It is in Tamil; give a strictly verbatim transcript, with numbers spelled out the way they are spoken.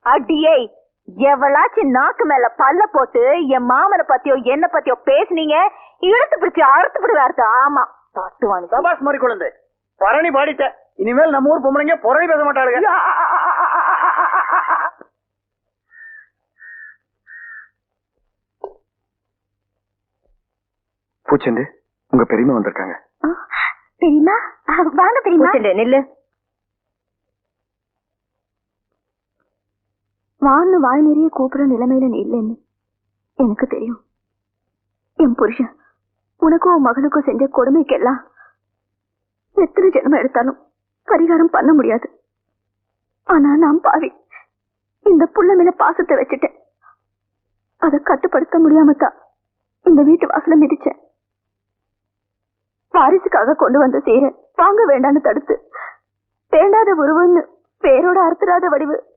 அடியே, எவளாச்சும் நாக்கு மேல பல்ல போட்டு என் மாமனை பத்தியோ என்ன பத்தியோ பேசுனீங்க, இழுத்து பிடிச்சி அறுத்து விடுவாரு. ஆமா தட்டுவானு சபாஸ் மாதிரி குழந்தை பரணி பாடிட்ட. இனிமேல் நம்ம ஊர் பொம்பளைங்க புரணி பேச மாட்டாளுங்க. பூச்செண்டு, உங்க பெரியமா வந்திருக்காங்க. பெரியமா வாங்க. பெரியமா நெல்லு வான்னு வாய் நிறைய கூப்பிடுற நிலைமையில நீ இல்லைன்னு எனக்கு தெரியும். என் புருஷன் உனக்கும் உன் மகனுக்கும் செஞ்ச கொடுமைக்கெல்லாம் எத்தனை ஜென்மம் எடுத்தாலும் பரிகாரம் பண்ண முடியாது. ஆனா நான் பாவி இந்த புள்ள மேல பாசத்தை வச்சுட்டேன். அதை கட்டுப்படுத்த முடியாமத்தான் இந்த வீட்டு வாசல மிதிச்சேன். வாரிசுக்காக கொண்டு வந்த சீரை வாங்க வேண்டான்னு தடுத்து வேண்டாத உருவன்னு பேரோட அறுத்துறாத வடிவு